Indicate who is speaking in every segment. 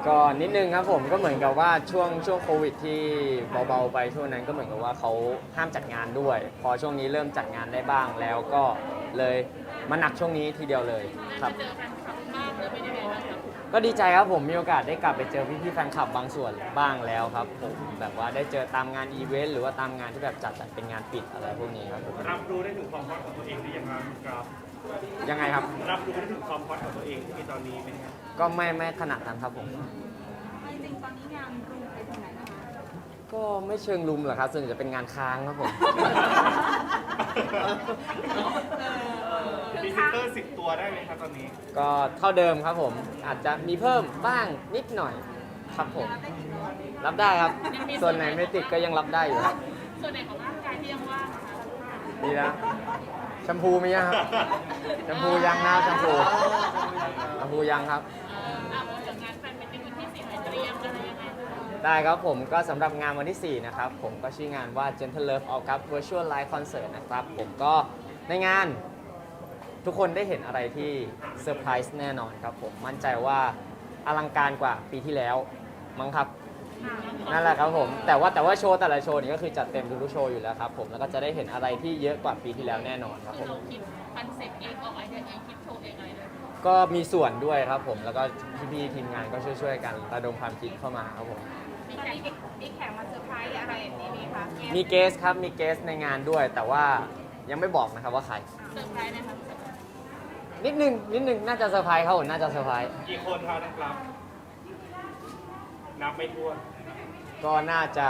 Speaker 1: ก็นิดนึงครับผมก็เหมือนกับว่าช่วงโควิดที่เบาๆไปช่วงนั้นก็เหมือนกับว่าเขาห้ามจัดงานด้วย พอช่วงนี้เริ่มจัดงานได้บ้างแล้วก็เลยมาหนักช่วงนี้ทีเดียวเลยครับ
Speaker 2: เจอแฟนคลับบ้างหรือเป็นยังไงบ้างครับ
Speaker 1: ก็ดีใจครับผมมีโอกาสได้กลับไปเจอพี่ๆแฟนคลับบางส่วนบ้างแล้วครับผมแบบว่าได้เจอตามงานอีเวนต์หรือว่าตามงานที่แบบจัดเป็นงานปิดอะไรพวกนี้ครับผม
Speaker 3: รับรู้ได้ถึงความฮอตของตัวเองหรือยังครับ
Speaker 1: ยังไงครับ
Speaker 3: รับรู้ได้ถึงความฮอตของตัวเองที่มีตอนนี้ไหมครับ
Speaker 1: ก็ไม่ขนาดนั้นครับผม
Speaker 4: จริงๆตอนนี้งานรุมไปถึงไหนนะคะ
Speaker 1: ก็ไม่เชิงลุมหรอกครับส่วนใหญ่จะเป็นงานค้างครับผม
Speaker 3: พรีเซนเตอร์10 ตัวได้ไหมครับตอนนี้
Speaker 1: ก็เท่าเดิมครับผมอาจจะมีเพิ่มบ้างนิดหน่อยครับผม
Speaker 4: ได้กี่ตัว
Speaker 1: รับได้ครับ ส่วนไหนไม่ติดก็ยังรับได้อยู่ครับ
Speaker 2: ส่วนไหนของร่างกายที่ยังว่างคะ
Speaker 1: ดีนะแชมพูมียังครับแชมพูยังนะแชมพูยังครับ
Speaker 2: พูดถึงงานแฟนเป็นวันที่4เตรียมอะไรยังไง
Speaker 1: ได้ครับผมก็สำหรับงานวันที่ 4 นะครับ ผมก็ชื่องานว่า Gentle Love All Cup Virtual Live Concert นะครับ ผมก็ในงานทุกคนได้เห็นอะไรที่เซอร์ไพรส์แน่นอนครับผมมั่นใจว่าอลังการกว่าปีที่แล้วมั้งครับ นั่นแหละครับผมแต่ว่าโชว์แต่ละโชว์นี่ก็คือจัดเต็มทุกๆโชว์อยู่แล้วครับผมแล้วก็จะได้เห็นอะไรที่เยอะกว่าปีที่แล้วแน่นอนครับผ
Speaker 2: คือ
Speaker 1: ม
Speaker 2: เราคิดคอนเซ็ปต์เองออกไอเดียเองคิดโชว์เองอะไรเลย
Speaker 1: ก็มีส่วนด้วยครับผมแล้วก็พี่ๆทีมงานก็ช่วยๆกันระดมความคิดเข้ามาครับผม
Speaker 4: มีแขกมาเซอร์ไพรส์อะไรอย่างนี้ไหมคะ
Speaker 1: มีเกสครับมีเกสในงานด้วย แต่ว่ายังไม่บอกนะครับว่าใคร
Speaker 2: เซอร์ไพรส์นะคะ
Speaker 1: นิดนึงน่าจะเซอร์ไพรส์ครับผมน่าจะเซอร์ไพรส์
Speaker 3: กี่คนครับนะครับ นับไม่ถ้วน
Speaker 1: ก็น่าจะ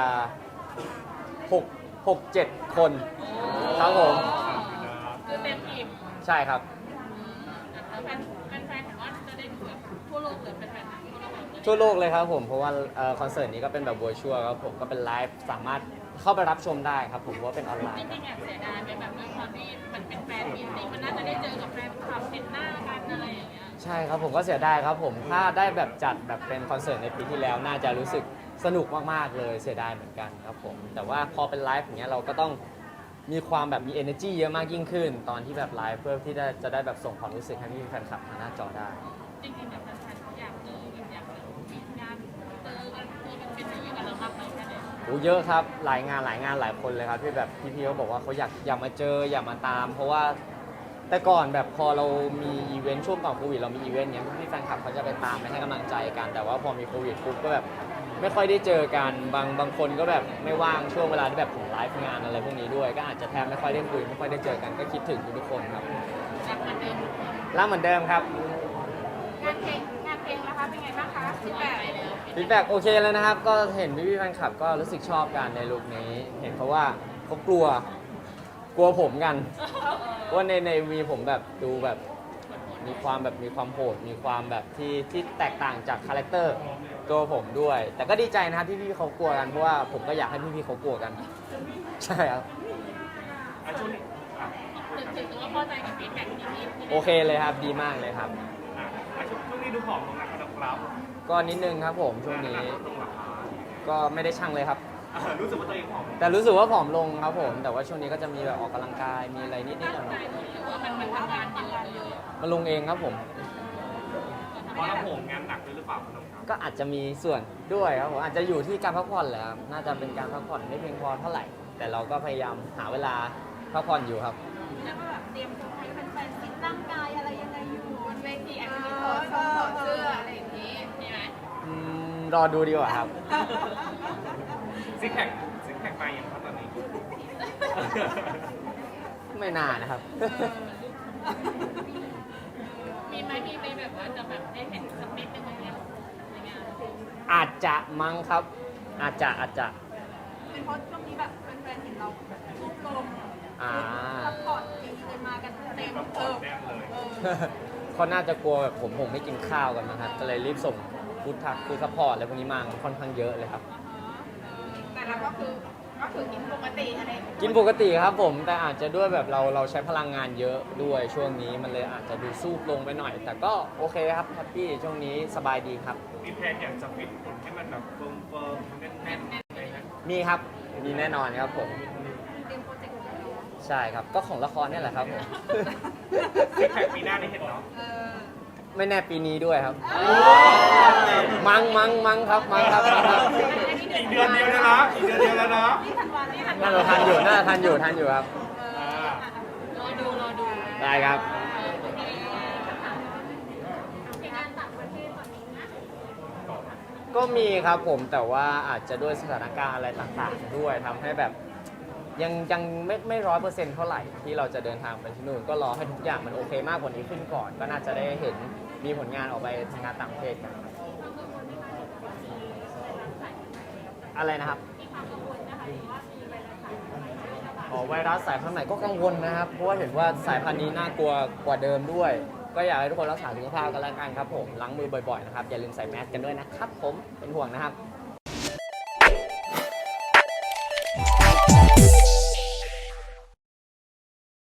Speaker 1: 6-7 คนครับผม
Speaker 2: คือเต็มทีม
Speaker 1: ใช่ครับ
Speaker 2: แล้วแฟนเห็นว่าจะได้ดูแบบทั่วโลกเลยเป็นแฟนทั่วโลกเลย
Speaker 1: ทั่วโลกเลยครับผมเพราะว่าคอนเสิร์ตนี้ก็เป็นแบบ virtual ครับผมก็เป็นไลฟ์สามารถเข้าไปรับชมได้ครับผมเพราะว่าเป็นออนไล
Speaker 2: จ
Speaker 1: น์ครับ
Speaker 2: ริงๆแอบเสียดายไปแบบด้วยความที่มันเป็นแฟนมีตติ้งมันน่าจะได้เจอกับแฟนคลับเห็นหน้ากันอะไรอย่างเงี้ย
Speaker 1: ใช่ครับผมก็เสียดายครับผมถ้าได้แบบจัดแบบเป็นคอนเสิร์ตในปีที่แล้วน่าจะรู้สึกสนุกมากๆเลยเสียดายเหมือนกันครับผมแต่ว่าพอเป็นไลฟ์อย่างเงี้ยเราก็ต้องมีความแบบมี energy เยอะมากยิ่งขึ้น ตอนที่แบบไลฟ์เพื่อที่จะได้แบบส่งความรู้สึกให้พี่แฟนคลับทางหน้าจอได้
Speaker 2: จริงๆแบบแฟนๆเขาอยากเจอแบบอยากแบบมีงานเจอกันตัวเป็นๆอย่างเงี้ยกันเราบ้างไหมแค่ไหน
Speaker 1: โอ้เยอะครับหลายงานหลายคนเลยครับที่แบบพี่ๆเขาบอกว่าเขาอยากมาเจออยากมาตาม เพราะว่าแต่ก่อนแบบพอเรามีอีเวนต์ช่วงก่อนโควิดเรามีอีเวนต์เนี้ยพี่แฟนคลับเขาจะไปตามไปให้กำลังใจกัน แต่ว่าพอมีโควิดปุ๊บก็แบบไม่ค่อยได้เจอกันบางคนก็แบบไม่ว่างช่วงเวลาที่แบบผมไลฟ์งานอะไรพวกนี้ด้วย ก็อาจจะแทบไม่ค่อยได้คุยไม่ค่อยได้เจอกันก็คิดถึงทุกๆคนครับ
Speaker 2: รักเหมือนเดิม
Speaker 1: รักเหมือนเดิมครับ
Speaker 4: งานเพลงนะคะเป็นไงบ้างคะฟีดแบ็ก
Speaker 1: ฟีดแบ็กโอเคแล้วนะครับ ก็เห็นพี่ๆแฟนคลับก็รู้สึกชอบกันในลุคนี้ เห็นเขาว่าเขากลัวผมกันว่าในวีผมแบบดูแบบมีความโหดมีความแบบที่แตกต่างจากคาแรคเตอร์ตัวผมด้วย แต่ก็ดีใจนะครับที่พี่ๆเขากลัวกันเพราะว่าผมก็อยากให้พี่ๆเขากลัวกัน ใช่ครับ
Speaker 3: ช่วงนี้อ่ะ
Speaker 2: ถึงว่าพอใจกับฟีดแบ็กที่มี
Speaker 1: โอเคเลยครับดีมากเลยครับ
Speaker 3: ช่วงนี้ดูผอมลงนะครับ
Speaker 1: ก็นิดนึงครับผมช่วงนี้
Speaker 3: ลงหลักฐาน
Speaker 1: ก็ไม่ได้ชั่งเลยครับ
Speaker 3: รู้สึกว่าตัวเองผอม
Speaker 1: แต่รู้สึกว่าผอมลงครับผม แต่ว่าช่วงนี้ก็จะมีแบบออกกำลังกายมีอะไรนิดๆหน่
Speaker 2: ตั้ง
Speaker 1: อ
Speaker 2: ใจ
Speaker 1: ย
Speaker 2: หรือว่ามันทำงานเยอะเลย
Speaker 1: ๆมาลงเองครับผม
Speaker 3: เพราะเราผมงานหนักด้วยหรือเปล่าครับ
Speaker 1: ก็อาจจะมีส่วนด้วยครับผมอาจจะอยู่ที่การพักผ่อนแหละครับน่าจะเป็นการพักผ่อนไม่เพียงพอเท่าไหร่ แต่เราก็พยายามหาเวลาพักผ่อนอยู่ครับ
Speaker 4: แล้วก็แบบเตรียมตัวให้แฟนๆฟิตร่างกายอะไรยังไงอยู่บนเวทีอาจจะมีถอดเสื้ออะไรอย่างนี้
Speaker 2: มีไหม
Speaker 1: รอดูดีกว่าครับ
Speaker 3: ซิกแพคไปอย่างครับตอนนี้
Speaker 1: ไม่นานนะครับ
Speaker 2: มีไหมมีไปแบบว่าจะแบบได้เห็นสักนิดนึงอะไรเงี้ยในงาน
Speaker 1: อาจจะมั้งครับ อาจจะ
Speaker 4: เป็นเพราะช่วงนี้แบบแฟนๆเห็นเรารูปลง
Speaker 1: อ่า
Speaker 4: ซัพพอร์ตดีเลยมากันเต็ม
Speaker 3: แบบผอมแน่เลย
Speaker 1: เขาน่าจะกลัวแบบผมไม่กินข้าวกันนะครับก็เลยรีบส่งฟู้ดทักคือซัพพอร์ตอะไรพวกนี้มาค่อนข้างเยอะเลยครับ
Speaker 4: แต่เราก็คือกินปกติอะไร
Speaker 1: กินปกติครับผมแต่อาจจะด้วยแบบเราใช้พลังงานเยอะด้วยช่วงนี้มันเลยอาจจะดูซูบลงไปหน่อย แต่ก็โอเคครับแฮปปี้ช่วงนี้สบายดีครับ
Speaker 3: มีแพลนอยากจะฟิตหุ่นให้มันแบบเฟิร์มแน่นๆเลยนะ
Speaker 1: มีครับมีแน่นอนครับผม
Speaker 4: เตรียมโปรเจกต์ของเรา
Speaker 1: ใช่ครับก็ของละครเนี่ยแหละครับผม
Speaker 3: ซิกแพคปีหน้าได้เห็นเนาะ
Speaker 4: เออ
Speaker 1: ไม่แน่ปีนี้ด้วยครับ มังครับมังครับ
Speaker 3: อีกเดือนเดียวนะอีกเดือนเดียวแล้วนะ
Speaker 4: นี่ธันวานี่ธันวา
Speaker 1: น่าจะทันอยู่ครับ
Speaker 2: รอดู
Speaker 1: ได้ครับ
Speaker 4: งานต่างประเทศตอนนี้นะ
Speaker 1: ก็มีครับผมแต่ว่าอาจจะด้วยสถานการณ์อะไรต่างๆ ด้วยทำให้แบบยังไม่100%เท่าไหร่ที่เราจะเดินทางไปที่นู่นก็รอให้ทุกอย่างมันโอเคมากกว่านี้ขึ้นก่อน ก็น่าจะได้เห็นมีผลงานออกไปทำงานต่างประเทศกันอะไรนะครับอ๋อไวรัสสายพันธุ์ใหม่ก็กังวลนะครับเพราะว่าเห็นว่าสายพันธุ์นี้น่ากลัวกว่าเดิมด้วย ก็อยากให้ทุกคนรักษาสุขภาพกันแล้วกันครับผมล้างมือบ่อยๆนะครับอย่าลืมใส่แมสกันด้วยนะครับผมเป็นห่วงนะครับ